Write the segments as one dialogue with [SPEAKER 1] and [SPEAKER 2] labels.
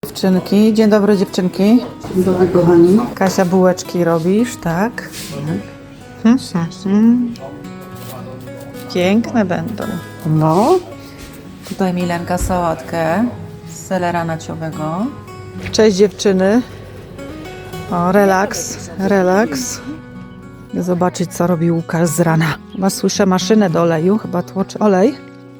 [SPEAKER 1] Dziewczynki, dzień dobry dziewczynki.
[SPEAKER 2] Dzień dobry, kochani.
[SPEAKER 1] Kasia, bułeczki robisz, tak? Piękne będą.
[SPEAKER 2] No.
[SPEAKER 1] Tutaj Milenka sałatkę z selera naciowego. Cześć dziewczyny. O, relaks, relaks. Idę zobaczyć, co robi Łukasz z rana. Chyba słyszę maszynę do oleju, chyba tłoczy olej.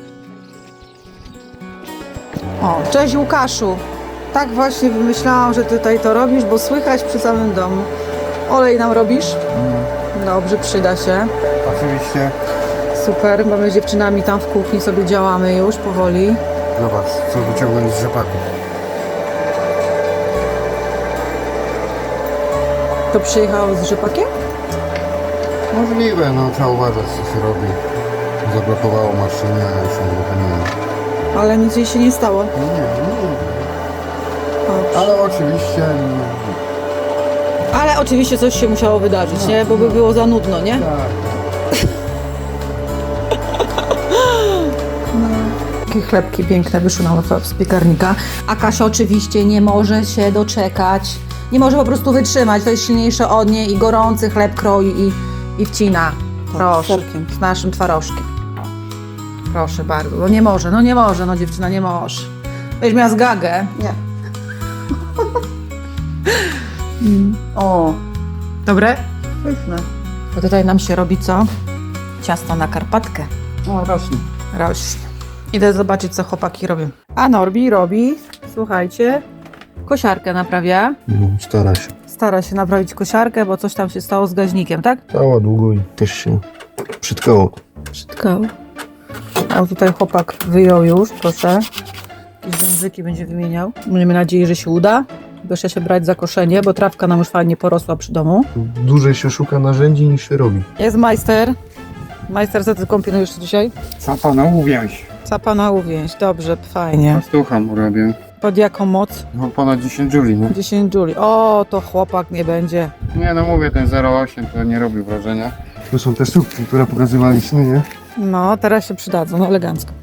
[SPEAKER 1] O, cześć Łukaszu. Tak właśnie wymyślałam, że tutaj to robisz, bo słychać przy samym domu. Olej nam robisz? Dobrze, przyda się.
[SPEAKER 3] Oczywiście.
[SPEAKER 1] Super, bo my z dziewczynami tam w kuchni sobie działamy już powoli.
[SPEAKER 3] Zobacz, co wyciągnąć z rzepaku.
[SPEAKER 1] To przyjechało z rzepakiem?
[SPEAKER 3] Możliwe, no trzeba uważać, co się robi. Zablokowało maszynę, a już nie uruchomiłem.
[SPEAKER 1] Ale nic jej się nie stało.
[SPEAKER 3] Nie.
[SPEAKER 1] O.
[SPEAKER 3] Ale oczywiście...
[SPEAKER 1] Ale oczywiście coś się musiało wydarzyć, nie? Bo by było za nudno, nie?
[SPEAKER 3] Tak.
[SPEAKER 1] Takie chlebki piękne wyszły nam z piekarnika. A Kasia oczywiście nie może się doczekać. Nie może po prostu wytrzymać. To jest silniejsze od niej i gorący chleb kroi i wcina. Proszę, z naszym twarożkiem. Proszę bardzo. No nie może, no dziewczyna nie może. Będziesz miała zgagę.
[SPEAKER 2] Nie.
[SPEAKER 1] O, dobre?
[SPEAKER 2] Pyszne.
[SPEAKER 1] Bo tutaj nam się robi co? Ciasto na Karpatkę.
[SPEAKER 2] O, rośnie.
[SPEAKER 1] Rośnie. Idę zobaczyć, co chłopaki robią. A Norbi robi, słuchajcie, kosiarkę naprawia.
[SPEAKER 3] Stara się.
[SPEAKER 1] Stara się naprawić kosiarkę, bo coś tam się stało z gaźnikiem, tak?
[SPEAKER 3] Stała długo i też się przytkało.
[SPEAKER 1] Przytkało. A tutaj chłopak wyjął już, proszę. Jakieś języki będzie wymieniał. Miejmy nadzieję, że się uda. Proszę się brać za koszenie, bo trawka nam już fajnie porosła przy domu.
[SPEAKER 3] Dłużej się szuka narzędzi niż się robi.
[SPEAKER 1] Jest majster. Majster, co ty kombinujesz dzisiaj?
[SPEAKER 4] Co pana uwięź?
[SPEAKER 1] Capana uwięź. Dobrze, fajnie.
[SPEAKER 4] Pastucha mu robię.
[SPEAKER 1] Pod jaką moc?
[SPEAKER 4] No ponad 10 juli, nie?
[SPEAKER 1] 10 Juli. O, to chłopak nie będzie.
[SPEAKER 4] Nie no mówię, ten 0,8 to nie robi wrażenia.
[SPEAKER 3] Tu są te słupki, które pokazywaliśmy, nie?
[SPEAKER 1] No, teraz się przydadzą, no elegancko.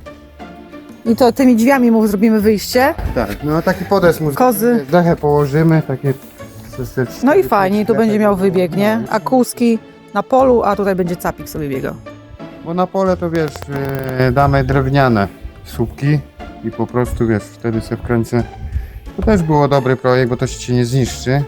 [SPEAKER 1] I to tymi drzwiami mu zrobimy wyjście.
[SPEAKER 3] Tak, no taki podest mu
[SPEAKER 1] Kozy.
[SPEAKER 3] dechę położymy, takie...
[SPEAKER 1] No i fajnie, tu będzie miał wybieg, nie? A kózki na polu, a tutaj będzie capik sobie biegał.
[SPEAKER 3] Bo na pole to wiesz, damy drewniane słupki i po prostu wiesz, wtedy sobie wkręcę. To też było dobry projekt, bo to się ci nie zniszczy.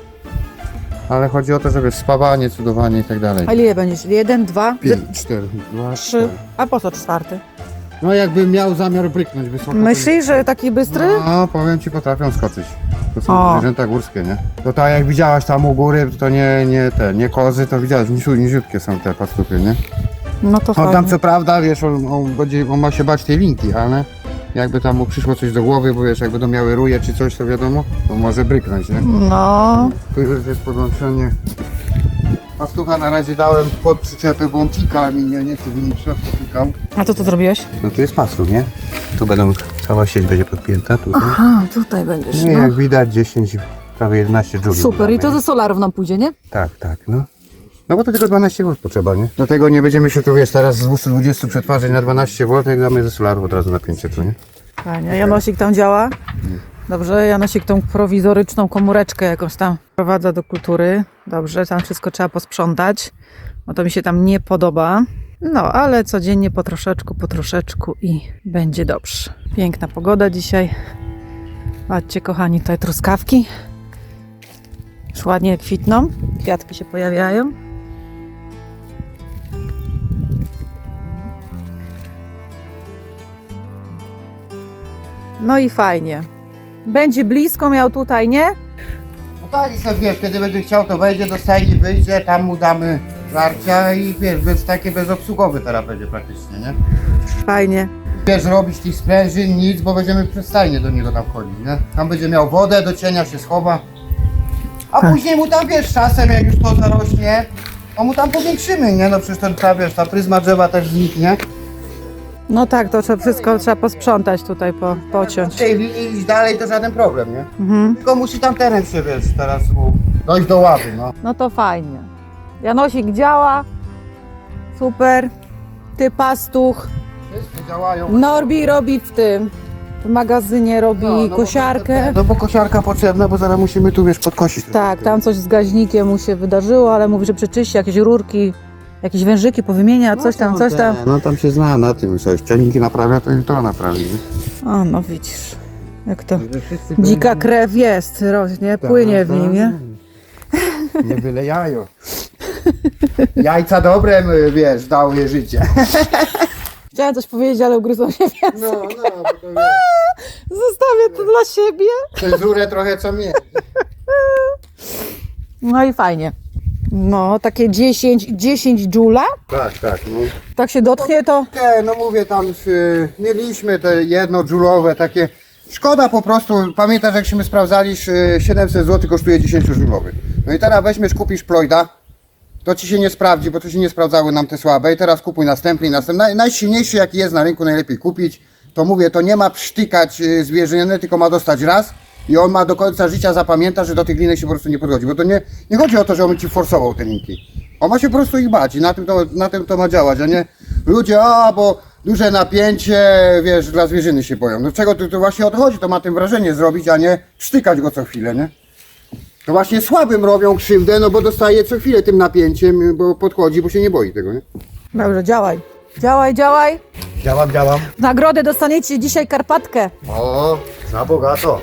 [SPEAKER 3] Ale chodzi o to, żeby spawanie, cudowanie i tak dalej.
[SPEAKER 1] A ile będziesz? 1, 2,
[SPEAKER 3] 4, 2,
[SPEAKER 1] 3. A po co 4?
[SPEAKER 3] No jakbym miał zamiar bryknąć wysoko.
[SPEAKER 1] Myślisz, że taki bystry?
[SPEAKER 3] No, powiem ci, potrafią skoczyć. To
[SPEAKER 1] O.
[SPEAKER 3] są zwierzęta górskie, nie? To tak jak widziałaś tam u góry, to nie kozy, to widziałaś, niziutkie są te pastupy, nie?
[SPEAKER 1] No to
[SPEAKER 3] No tam
[SPEAKER 1] fajnie.
[SPEAKER 3] co prawda, wiesz, on ma się bać tej linki, ale jakby tam mu przyszło coś do głowy, bo wiesz, jakby to miały ruje czy coś, to wiadomo, to może bryknąć, nie?
[SPEAKER 1] No,
[SPEAKER 3] Tu już jest podłączenie. Pastucha na razie dałem pod przyczepę, bo on pika mi, nie chcę w środku pikał.
[SPEAKER 1] a co tu zrobiłeś?
[SPEAKER 5] No tu jest pastuch, nie? Tu będą, cała sieć będzie podpięta, tutaj.
[SPEAKER 1] Aha, tutaj będziesz,
[SPEAKER 3] Nie,
[SPEAKER 1] no.
[SPEAKER 3] jak widać 10, prawie 11 dżuli.
[SPEAKER 1] Super, i to ze solarów nam pójdzie, nie?
[SPEAKER 3] Tak, no. No bo to tylko 12 V potrzeba, nie? Dlatego nie będziemy się tu, wiesz, teraz z 220 przetwarzać na 12 V, jak damy ze solarów od razu na 500, nie?
[SPEAKER 1] Fajnie. Janosik tam działa? Dobrze, Janosik tą prowizoryczną komóreczkę jakąś tam wprowadza do kultury. Dobrze, tam wszystko trzeba posprzątać, bo to mi się tam nie podoba. No, ale codziennie po troszeczku i będzie dobrze. Piękna pogoda dzisiaj. Patrzcie, kochani, tutaj truskawki. Już ładnie kwitną, kwiatki się pojawiają. No i fajnie. Będzie blisko miał tutaj, nie?
[SPEAKER 3] No tak, i sobie wiesz, kiedy będzie chciał, to wejdzie do stajni, wyjdzie, tam mu damy żarcia i wiesz, takie bezobsługowy teraz będzie praktycznie, nie?
[SPEAKER 1] Fajnie.
[SPEAKER 3] Wiesz, robić tych sprężyn, nic, bo będziemy przez stajnię do niego tam wchodzić, nie? Tam będzie miał wodę, do cienia się schowa. A później mu tam, wiesz, czasem jak już to zarośnie, to mu tam powiększymy, nie? No przecież wiesz, ta pryzma drzewa też zniknie.
[SPEAKER 1] No tak, to wszystko trzeba posprzątać tutaj, pociąć.
[SPEAKER 3] W tej linii iść dalej to żaden problem, nie?
[SPEAKER 1] Mhm.
[SPEAKER 3] Tylko musi tam teren się, wiesz, teraz dojść do ładu, no.
[SPEAKER 1] No to fajnie. Janosik działa. Super. Ty pastuch.
[SPEAKER 3] Wszystkie działają.
[SPEAKER 1] Norbi robi w tym w magazynie robi kosiarkę.
[SPEAKER 3] No bo kosiarka potrzebna, bo zaraz musimy tu, wiesz, podkosić.
[SPEAKER 1] Tak, tam coś z gaźnikiem mu się wydarzyło, ale mówi, że przeczyści jakieś rurki, jakieś wężyki powymienia, coś tam.
[SPEAKER 3] No tam się zna na tym, coś. Ciągniki naprawia, to i to naprawi. Nie?
[SPEAKER 1] O, no widzisz, jak to dzika krew jest, rośnie, płynie w nim, nie?
[SPEAKER 3] Nie byle jajo. Jajca dobre, wiesz, dały życie.
[SPEAKER 1] Chciałam coś powiedzieć, ale ugryzłam się w język.
[SPEAKER 3] No, bo to wiesz.
[SPEAKER 1] Zostawię to dla siebie.
[SPEAKER 3] Cenzurę trochę co mieć.
[SPEAKER 1] No i fajnie. No, takie 10 dżula.
[SPEAKER 3] Tak, no.
[SPEAKER 1] Tak się dotknie to.
[SPEAKER 3] No mówię, tam mieliśmy te jednodżulowe takie. Szkoda po prostu, pamiętasz jakśmy sprawdzali, 700 zł kosztuje 10 żulowy. No i teraz weźmiesz, kupisz Ploida, to ci się nie sprawdzi, bo to się nie sprawdzały nam te słabe i teraz kupuj następny i następny. Najsilniejszy jaki jest na rynku, najlepiej kupić. To mówię, to nie ma psztykać zwierzyny, tylko ma dostać raz i on ma do końca życia zapamiętać, że do tych linek się po prostu nie podchodzi, bo to nie chodzi o to, że on ci forsował te linki. On ma się po prostu ich bać i na tym to ma działać, a nie ludzie, bo duże napięcie, wiesz, dla zwierzyny się boją. No czego to właśnie odchodzi, to ma tym wrażenie zrobić, a nie sztykać go co chwilę, nie? To właśnie słabym robią krzywdę, no bo dostaje co chwilę tym napięciem, bo podchodzi, bo się nie boi tego, nie?
[SPEAKER 1] Dobrze, działaj. Działaj.
[SPEAKER 3] Działam.
[SPEAKER 1] W nagrodę dostaniecie dzisiaj Karpatkę.
[SPEAKER 3] O, za bogato.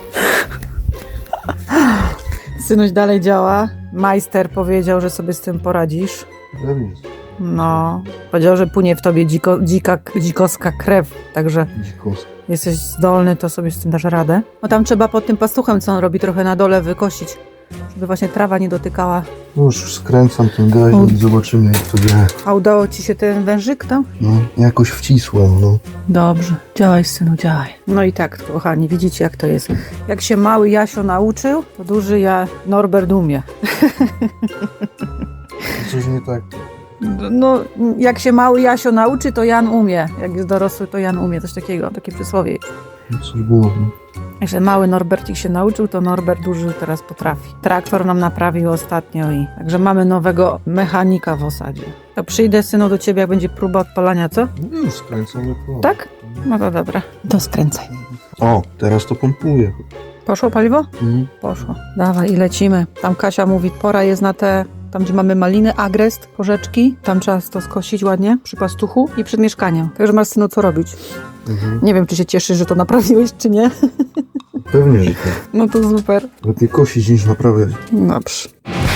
[SPEAKER 1] Synuś dalej działa. Majster powiedział, że sobie z tym poradzisz. No, powiedział, że płynie w tobie dzikowska krew, także jesteś zdolny, to sobie z tym dasz radę. No tam trzeba pod tym pastuchem, co on robi, trochę na dole wykosić, żeby właśnie trawa nie dotykała.
[SPEAKER 6] No już skręcam ten gaźnik i zobaczymy jak to działa.
[SPEAKER 1] A udało ci się ten wężyk tam?
[SPEAKER 6] No, jakoś wcisłem, no.
[SPEAKER 1] Dobrze, działaj synu, działaj. No i tak, kochani, widzicie jak to jest. Jak się mały Jasio nauczył, to duży Norbert umie.
[SPEAKER 6] Coś nie tak.
[SPEAKER 1] No, jak się mały Jasio nauczy, to Jan umie. Jak jest dorosły, to Jan umie. Coś takiego, takie przysłowie jest.
[SPEAKER 6] Coś było, no.
[SPEAKER 1] Także mały Norbercik się nauczył, to Norbert duży teraz potrafi. Traktor nam naprawił ostatnio i także mamy nowego mechanika w osadzie. To przyjdę, synu, do ciebie, jak będzie próba odpalania, co?
[SPEAKER 6] No już skręcam, jak to.
[SPEAKER 1] Tak? No to dobra. To skręcaj.
[SPEAKER 6] O, teraz to pompuje.
[SPEAKER 1] Poszło paliwo?
[SPEAKER 6] Mhm.
[SPEAKER 1] Poszło. Dawaj i lecimy. Tam Kasia mówi, pora jest na te, tam gdzie mamy maliny, agrest, porzeczki. Tam trzeba to skosić ładnie przy pastuchu i przed mieszkaniem. Także masz, synu, co robić. Nie wiem, czy się cieszysz, że to naprawiłeś, czy nie.
[SPEAKER 6] Pewnie, że tak.
[SPEAKER 1] No to super.
[SPEAKER 6] Lepiej kosić niż naprawiać.
[SPEAKER 1] Dobrze.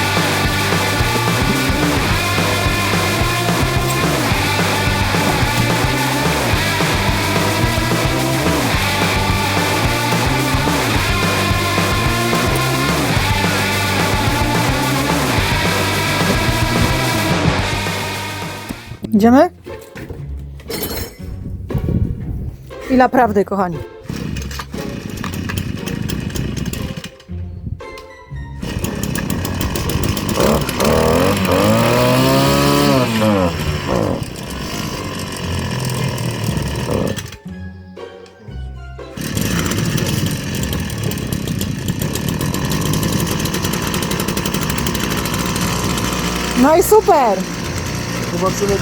[SPEAKER 1] Idziemy? Chwila prawdy, kochani. No i super!
[SPEAKER 6] Zobaczymy.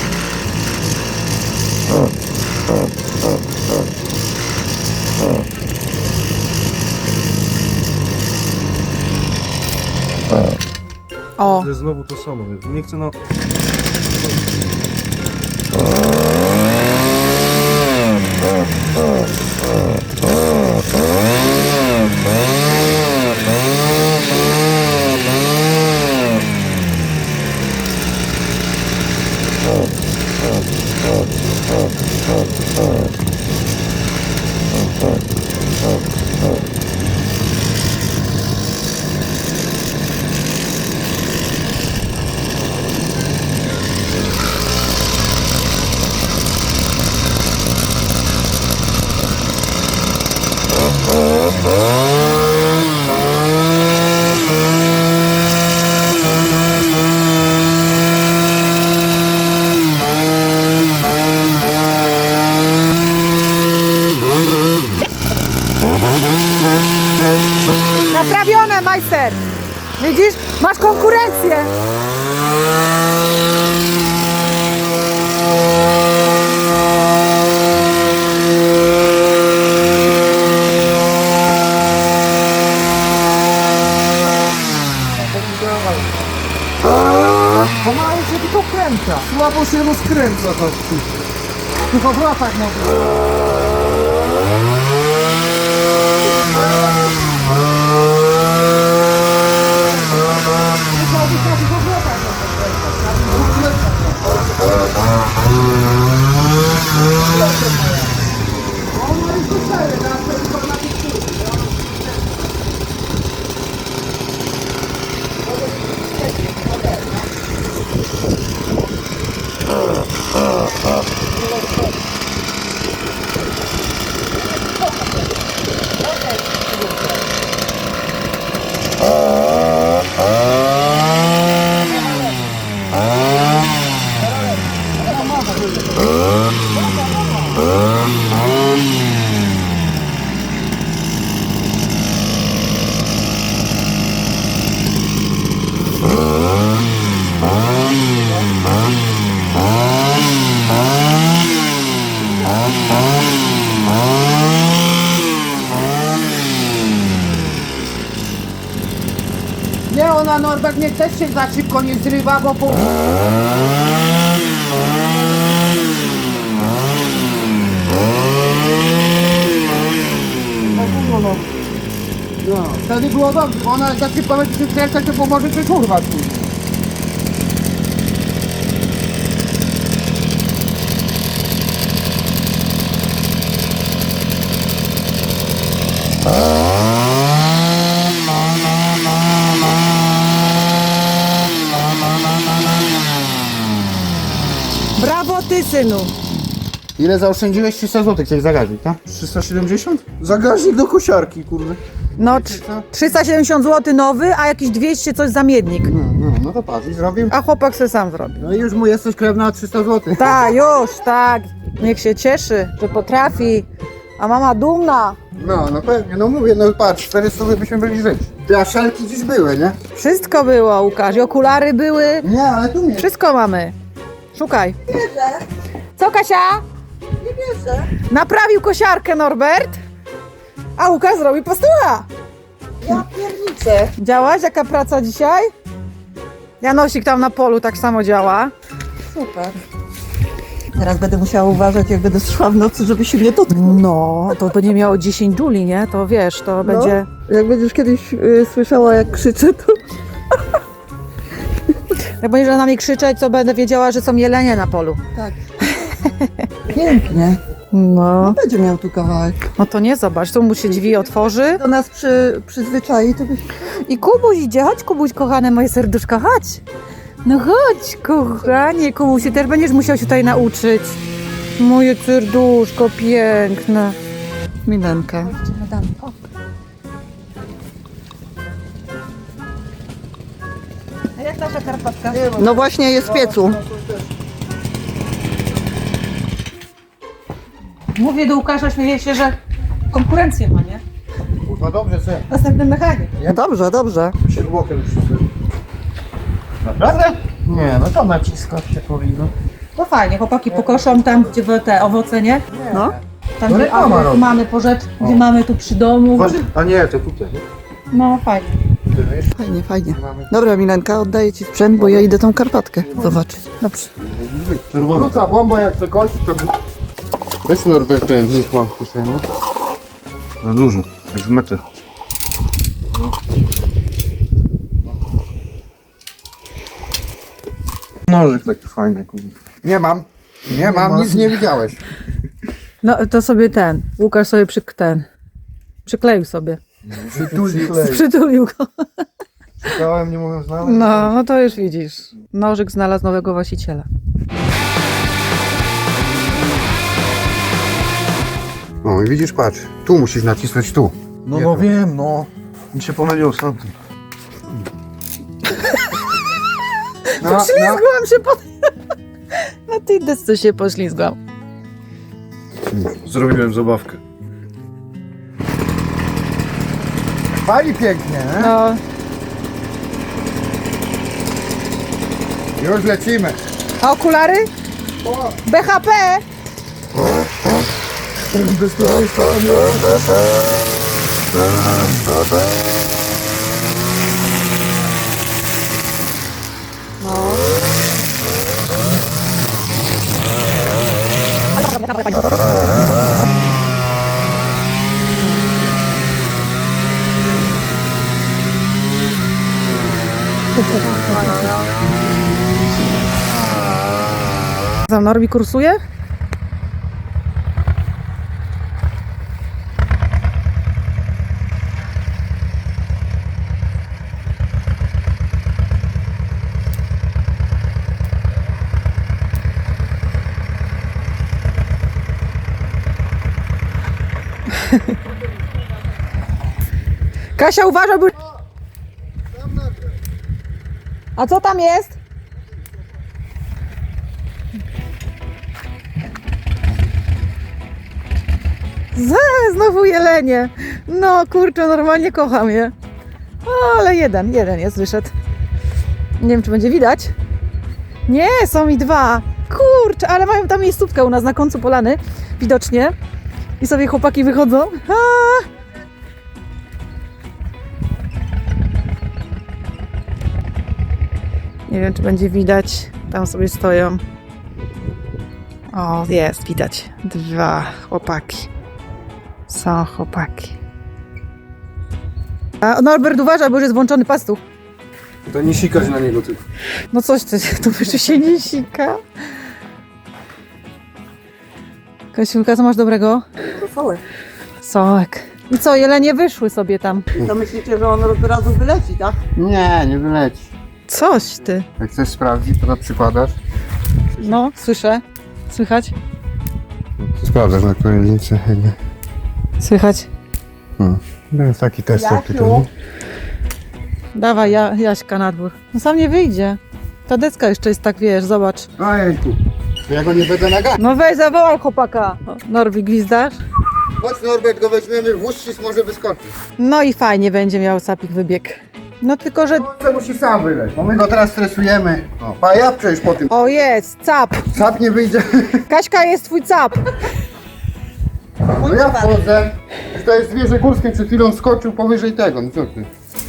[SPEAKER 1] O,
[SPEAKER 6] To jest znowu to samo, więc nie chcę na...
[SPEAKER 1] naprawione, majster! Widzisz? Masz konkurencję!
[SPEAKER 3] Pomału się tylko kręca. Słabo się rozkręca to. Tylko w latach może. Nie, ona Norbert mnie też się za szybko nie zrywa, bo po... No, wtedy było dobrze, bo ona za szybko będzie się kręcać, to pomoże się kurwa później.
[SPEAKER 1] Brawo ty, synu.
[SPEAKER 3] Ile zaoszczędziłeś? 300 zł chciałeś zagazić, tak?
[SPEAKER 6] 370? Zagaźnik do kosiarki, kurde.
[SPEAKER 1] No, 370 zł nowy, a jakieś 200 coś za miednik.
[SPEAKER 3] No to patrz, i zrobił.
[SPEAKER 1] A chłopak se sam zrobi.
[SPEAKER 3] No i już mu jesteś krewna na 300 zł.
[SPEAKER 1] Tak, już, tak. Niech się cieszy, że potrafi. A mama dumna.
[SPEAKER 3] No pewnie, no mówię, no patrz, 400 byśmy byli żyć. Te szelki dziś były, nie?
[SPEAKER 1] Wszystko było, Łukasz. I okulary były.
[SPEAKER 3] Nie, ale tu nie.
[SPEAKER 1] Wszystko mamy. Szukaj. Co, Kasia? Nie bierze. Naprawił kosiarkę Norbert, a Łukasz zrobił pastucha.
[SPEAKER 2] Ja pierniczę.
[SPEAKER 1] Działaś? Jaka praca dzisiaj? Janosik tam na polu tak samo działa.
[SPEAKER 2] Super. Teraz będę musiała uważać, jak będę szła w nocy, żeby się nie dotknął.
[SPEAKER 1] No, to będzie miało 10 juli, nie? To wiesz, to będzie...
[SPEAKER 2] Jak będziesz kiedyś słyszała, jak krzyczę, to...
[SPEAKER 1] Jak będziesz na mnie krzyczeć, to będę wiedziała, że są jelenie na polu.
[SPEAKER 2] Tak. Pięknie.
[SPEAKER 1] No.
[SPEAKER 2] Będzie miał tu kawałek.
[SPEAKER 1] No to nie, zobacz, tu mu się drzwi otworzy.
[SPEAKER 2] Do nas przyzwyczai, to byś...
[SPEAKER 1] I Kubuś idzie, chodź Kubuś, kochane moje serduszko, chodź. No chodź, kochanie, Kubuś, ty też będziesz musiał się tutaj nauczyć. Moje serduszko piękne. Milenka. A jak nasza Karpatka?
[SPEAKER 2] No właśnie jest w piecu.
[SPEAKER 1] Mówię do Łukasza, śmieję się, że konkurencję ma, nie?
[SPEAKER 3] Kurwa, dobrze, co?
[SPEAKER 1] Następny mechanik.
[SPEAKER 2] No dobrze, dobrze.
[SPEAKER 3] Się bokiem naprawdę? Nie, no to naciskać się powinno.
[SPEAKER 1] No fajnie, chłopaki pokoszą tam, gdzie były te owoce, nie?
[SPEAKER 2] No.
[SPEAKER 1] Tam,
[SPEAKER 3] No
[SPEAKER 1] gdzie
[SPEAKER 3] reklama robi.
[SPEAKER 1] mamy po rzecz, gdzie mamy tu przy domu.
[SPEAKER 3] A nie, to tutaj, nie?
[SPEAKER 1] No fajnie.
[SPEAKER 2] Fajnie, fajnie. Dobra, Milenka, oddaję ci sprzęt, bo ja idę tą Karpatkę zobaczyć.
[SPEAKER 1] Dobrze.
[SPEAKER 3] Wróca bomba, jak to kończy, to...
[SPEAKER 4] Weź Norbert ten znikła w kieszeni.
[SPEAKER 6] Za dużo, jak w metę. Nożyk taki fajny, kurde.
[SPEAKER 3] Nie mam. Nie mam, nic nie widziałeś.
[SPEAKER 1] No to sobie Łukasz sobie przykleił sobie. Przytulił go.
[SPEAKER 3] Czekałem, nie mówiąc nawet.
[SPEAKER 1] No to już widzisz. Nożyk znalazł nowego właściciela.
[SPEAKER 3] No i widzisz, patrz. Tu musisz nacisnąć tu.
[SPEAKER 6] No wiem, no. Mi się pomyliło z tamtym.
[SPEAKER 1] Poślizgłam się po... Na tej desce się poślizgłam.
[SPEAKER 6] Zrobiłem zabawkę.
[SPEAKER 3] Pali pięknie, nie?
[SPEAKER 1] No,
[SPEAKER 3] Już lecimy.
[SPEAKER 1] a okulary? BHP! No. Za Norbi kursuje? Kasia, uważaj, bo... A co tam jest? Znowu jelenie. No kurczę, normalnie kocham je. Ale jeden jest, wyszedł. Nie wiem, czy będzie widać. Nie, są i dwa. Kurczę, ale mają tam miejscówkę u nas na końcu polany. Widocznie. I sobie chłopaki wychodzą. Nie wiem, czy będzie widać. Tam sobie stoją. O, jest, widać. Dwa chłopaki. Są chłopaki. A Norbert, uważaj, bo już jest włączony pastuch.
[SPEAKER 4] To nie sikać na niego tylko.
[SPEAKER 1] No coś ty, tu wyżej się nie sika. Kasiulka, co masz dobrego?
[SPEAKER 2] Rosołek.
[SPEAKER 1] Sołek. I co, jelenie wyszły sobie tam.
[SPEAKER 2] To myślicie, że on od razu wyleci, tak?
[SPEAKER 3] Nie, nie wyleci.
[SPEAKER 1] Coś ty.
[SPEAKER 3] Jak chcesz sprawdzić, to przykładasz.
[SPEAKER 1] No, słyszę. Słychać?
[SPEAKER 6] Sprawdzasz na kolejnicy.
[SPEAKER 1] Słychać.
[SPEAKER 6] To jest taki test
[SPEAKER 2] Jasiu?
[SPEAKER 6] tutaj.
[SPEAKER 1] Dawaj, Jaśka na dwór. No sam nie wyjdzie. Ta deska jeszcze jest tak, wiesz, zobacz.
[SPEAKER 3] Ojejku. To ja go nie będę naganiał.
[SPEAKER 1] No weź, zawołaj chłopaka. O, Norbi, gwizdasz?
[SPEAKER 3] Chodź Norbert, go weźmiemy, włóczcis może wyskoczyć.
[SPEAKER 1] No i fajnie będzie miał sapik wybieg. No tylko, że...
[SPEAKER 3] On musi sam wyleć, bo my go teraz stresujemy. O, a ja przejść po tym.
[SPEAKER 1] O, jest, cap.
[SPEAKER 3] Sap nie wyjdzie.
[SPEAKER 1] Kaśka, jest twój cap.
[SPEAKER 3] No ja wchodzę. To jest zwierzę górskie, przed chwilą skoczył powyżej tego, no co ty?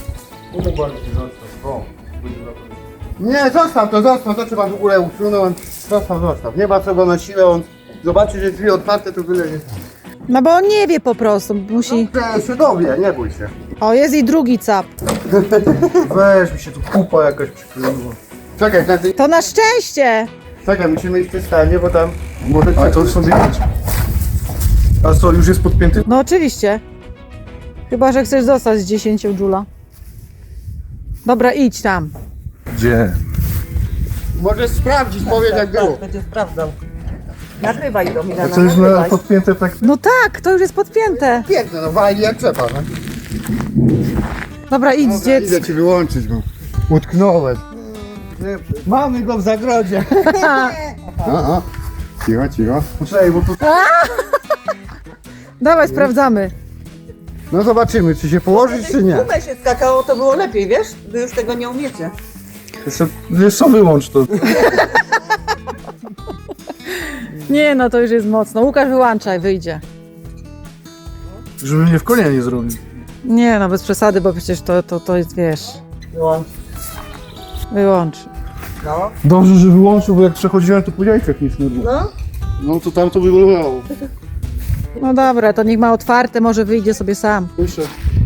[SPEAKER 3] Nie, zostaw, to trzeba w ogóle usunąć. Zostaw. Nie ma co go na siłę, on zobaczy, że drzwi otwarte, to wylezie.
[SPEAKER 1] No bo on nie wie po prostu, musi...
[SPEAKER 3] No, się dowie, nie bój się.
[SPEAKER 1] O, jest i drugi cap.
[SPEAKER 3] Weź, mi się tu kupa jakaś przykleiła. Czekaj,
[SPEAKER 1] To na szczęście!
[SPEAKER 3] czekaj, musimy iść przy stanie, bo tam może
[SPEAKER 6] Ale to sobie widać. A co, już jest podpięty?
[SPEAKER 1] No oczywiście. Chyba, że chcesz zostać z 10 dżula. Dobra, idź tam.
[SPEAKER 6] Gdzie?
[SPEAKER 3] Możesz sprawdzić, powiedz jak było.
[SPEAKER 2] Będzie sprawdzał. Nagrywaj to,
[SPEAKER 6] A
[SPEAKER 2] Milena,
[SPEAKER 6] co już na
[SPEAKER 2] nagrywaj.
[SPEAKER 6] podpięte tak?
[SPEAKER 1] No tak, to już jest podpięte.
[SPEAKER 3] Piękne, no wali jak trzeba, no.
[SPEAKER 1] Dobra, idź,
[SPEAKER 3] Dobra, idę
[SPEAKER 1] dziecko.
[SPEAKER 3] ci wyłączyć, bo utknąłem. Mamy go w zagrodzie. O. Cicho.
[SPEAKER 6] Poczekaj, bo tu...
[SPEAKER 1] Dawaj, sprawdzamy.
[SPEAKER 3] No zobaczymy, czy się położyć, czy nie.
[SPEAKER 2] Gumę się skakało, to było lepiej, wiesz? Wy już tego nie umiecie.
[SPEAKER 6] Wiesz co, wyłącz to.
[SPEAKER 1] Nie, no to już jest mocno. Łukasz, wyłączaj, wyjdzie.
[SPEAKER 6] Żeby mnie w konia nie zrobił.
[SPEAKER 1] Nie, no bez przesady, bo przecież to jest, wiesz...
[SPEAKER 2] Wyłącz.
[SPEAKER 1] Wyłącz.
[SPEAKER 2] No.
[SPEAKER 6] Dobrze, że wyłączył, bo jak przechodziłem, to po jajkach nic nie było.
[SPEAKER 2] No.
[SPEAKER 6] No to tam to wyglądało.
[SPEAKER 1] No dobra, to niech ma otwarte, może wyjdzie sobie sam.
[SPEAKER 6] Słyszę.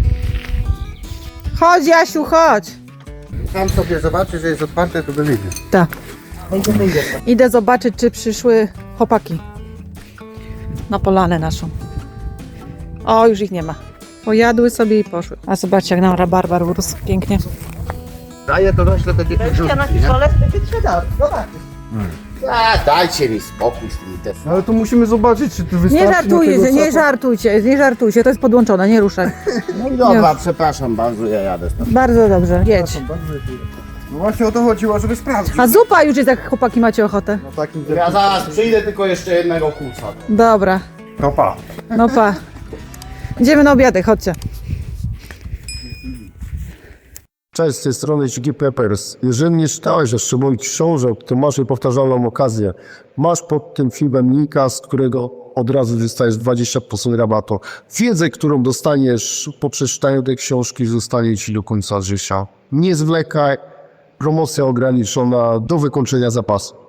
[SPEAKER 1] Chodź, Jasiu, chodź.
[SPEAKER 3] Sam sobie zobaczy, że jest otwarte, to wyjdzie.
[SPEAKER 1] Tak.
[SPEAKER 2] Wyjdzie.
[SPEAKER 1] Idę zobaczyć, czy przyszły chłopaki na polanę naszą. O, już ich nie ma. Pojadły sobie i poszły. A zobaczcie, jak nam rabarbar urósł. Pięknie.
[SPEAKER 3] Daję to rośle takie
[SPEAKER 2] Weźcie na pistolet, będzie trzeba. Zobaczysz.
[SPEAKER 3] Dajcie mi spokój z tymi testami.
[SPEAKER 6] Ale to musimy zobaczyć, czy ty wystarczy
[SPEAKER 1] Nie
[SPEAKER 6] na
[SPEAKER 1] żartujcie,
[SPEAKER 6] tego
[SPEAKER 1] nie żartujcie, to jest podłączone, nie ruszaj.
[SPEAKER 3] No i dobra, przepraszam bardzo, ja jadę stąd.
[SPEAKER 1] Bardzo dobrze, jedź.
[SPEAKER 3] No właśnie o to chodziło, żeby sprawdzić.
[SPEAKER 1] A zupa już jest, jak chłopaki macie ochotę.
[SPEAKER 6] Na takim
[SPEAKER 3] Ja zaraz przyjdę, tylko jeszcze jednego kuca.
[SPEAKER 1] Dobra,
[SPEAKER 3] No pa.
[SPEAKER 1] no pa. Idziemy na obiadek, chodźcie.
[SPEAKER 7] Cześć, z tej strony Ciki Peppers. Jeżeli nie czytałeś jeszcze moich książek, to masz powtarzalną okazję. Masz pod tym filmem linka, z którego od razu dostajesz 20% rabatu. Wiedzę, którą dostaniesz po przeczytaniu tej książki, zostanie ci do końca życia. Nie zwlekaj, promocja ograniczona do wykończenia zapasu.